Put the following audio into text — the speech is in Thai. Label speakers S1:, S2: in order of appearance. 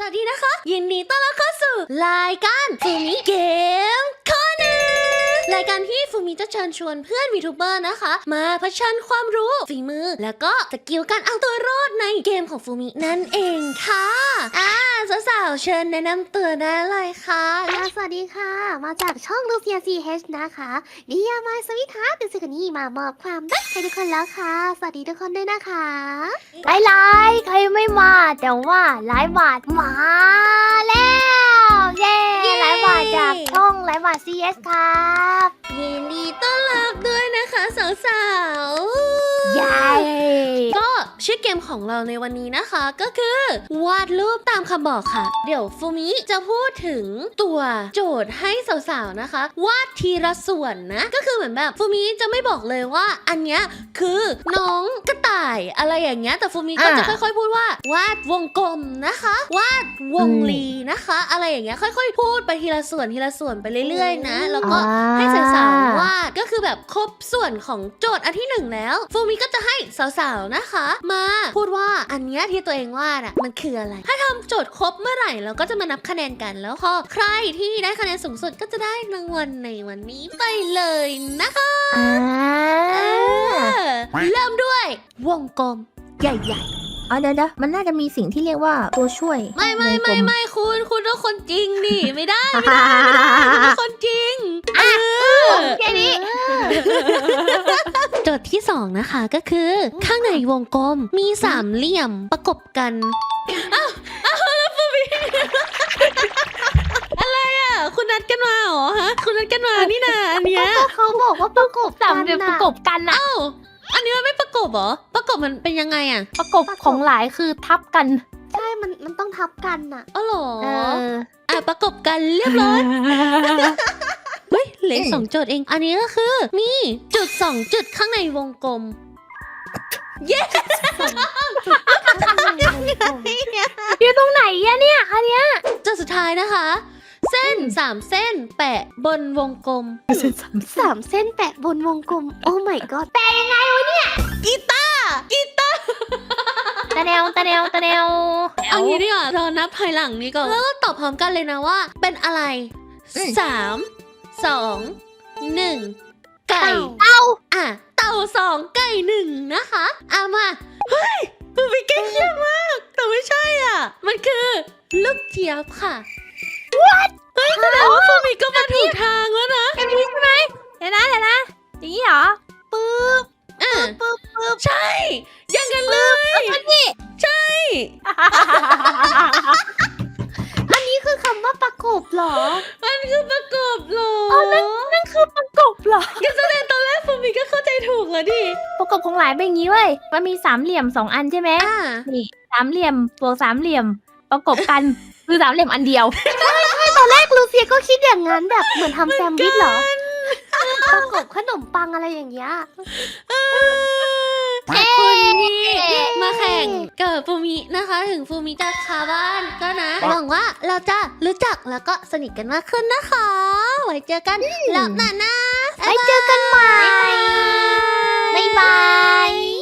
S1: วัสดีนะคะยินดีต้อนรับเข้าสู่รายการฟูมิเกมคอร์เนอร์รายการที่ฟูมิจะเชิญชวนเพื่อนวีทูเบอร์นะคะมาเผชิญความรู้ฝีมือแล้วก็สกิลการเอาตัวรอดในเกมของฟูมินั่นเองค่ะสาวๆเชิญแนะนำตัวได้เลยค่ะ
S2: สวัสดีค่ะมาจากช่องลูเซียซีเฮชนะคะนิยามายสวิทาเป็นสิ่งนี้มามอบความรักให้ทุกคนแล้วค่ะสวัสดีทุกคนด้วยนะคะ
S3: ไลฟ์ใครไม่มาแต่ว่าไลฟ์บาทมาแล้วเย้ไลฟ์บาทจากช่องไลฟ์บาท CS ครับ
S1: ยินดีต้อนรับด้วยนะคะสาวๆ
S3: เย้
S1: ก็ชื่อเกมของเราในวันนี้นะคะก็คือวาดรูปตามคำบอกค่ะเดี๋ยวฟูมิจะพูดถึงตัวโจทย์ให้สาวๆนะคะวาดทีละส่วนนะก็คือเหมือนแบบฟูมิจะไม่บอกเลยว่าอันเนี้ยคือน้องกระต่ายอะไรอย่างเงี้ยแต่ฟูมิก็จะค่อยๆพูดว่าวาดวงกลมนะคะวาดวงรีนะคะอะไรอย่างเงี้ยค่อยๆพูดไปทีละส่วนไปเรื่อยๆนะแล้วก็ให้สาวๆวาดก็คือแบบครบส่วนของโจทย์อันที่หนึ่งแล้วฟูมิก็จะให้สาวๆนะคะมาพูดว่าอันเนี้ยที่ตัวเองวาดอะมันคืออะไรถ้าทำโจทย์ครบเมื่อไหร่เราก็จะมานับคะแนนกันแล้วพอใครที่ได้คะแนนสูงสุดก็จะได้รางวัลในวันนี้ไปเลยนะคะเริ่มด้วยวงกลมใหญ่
S3: ๆเดี๋ยวมันน่าจะมีสิ่งที่เรียกว่าตัวช่วย
S1: ไม่คุณต้องคนจริงดิไม่ได้คนจริง
S3: แค่นี้
S1: โจทย์ที่2นะคะก็คือข้างในวงกลมมีสามเหลี่ยมประกบกันแล้วฟูมิอะไรอ่ะคุณนัดกันมาเหรอฮะคุณนัดกันมานี่นาอันเนี้ย
S2: เขาบอกว่าประกบ
S3: สามเหลี่ยมประกบกันนะ
S1: อันนี้มันไม่ประกบเหรอประกบมันเป็นยังไงอ่ะ
S3: ประกบของหลายคือทับกัน
S2: ใช่มันต้องทับกันอ่ะ
S1: อ๋อเหรอประกบกันเรียบร้อยเฮ้ยเหลือ2 โจทย์เองอันนี้ก็คือมีจุด2 จุดข้างในวงกลมเย้
S3: อยู่ตรงไหนอะเนี่ยอันเนี้ย
S1: จุดสุดท้ายนะคะเส้น3 เส้นแปะบนวงกลม
S2: 3 เส้นแปะบนวงกลมโอ้ my god แปะยังไงวะเนี่ย
S1: กีตาร์
S3: ตะแนว
S1: เอางี้ดีกว่าเรานับภายหลังนี้ก่อนแล้วก็ตอบพร้อมกันเลยนะว่าเป็นอะไร3 2 1ไก่
S3: เต่า
S1: เต่า2ไก่1นะคะมาเฮ้ยมันเป็นใกล้เคียงมากแต่ไม่ใช่มันคือลูกเจี๊ยบค่ะ
S3: What
S1: เฮ้ยแสดงว่าฟูมิก็มาถูกทางแล้วนะ
S3: แบบนี้ใช่ไหมเดี๋ยวนะอย่างนี้เหรอปึ๊บ
S1: ใช่อย่างนั้นเลยใช่
S2: อันนี้คือคำว่าประกบเหรอ
S1: มันคือประกบเหรอ
S3: นั่นคือประกบเหรอ
S1: ก็แสดงตอนแรกฟูมิก็เข้าใจถูกแล้วดิ
S3: ประกบของหลายเป็นอย่างนี้เว้ยมันมีสามเหลี่ยม2 อันใช่ไหมนี่สามเหลี่ยมบวก3 เหลี่ยมประกบกันคือ3 เหลี่ยมอันเดียว
S2: ใช่ตอนแรกลูเซียก็คิดอย่างนั้นแบบเหมือนทำแซนด์วิชเหรอประกบขนมปังอะไรอย่างเงี้ย
S1: ขอบคุณที่มาแข่งกับฟูมินะคะถึงฟูมิจะคาบ้านก็นะหวังว่าเราจะรู้จักแล้วก็สนิทกันมากขึ้นนะคะไว้เจอกันรอบหน้านะ
S3: ไว้เจอกันใหม่บ๊ายบาย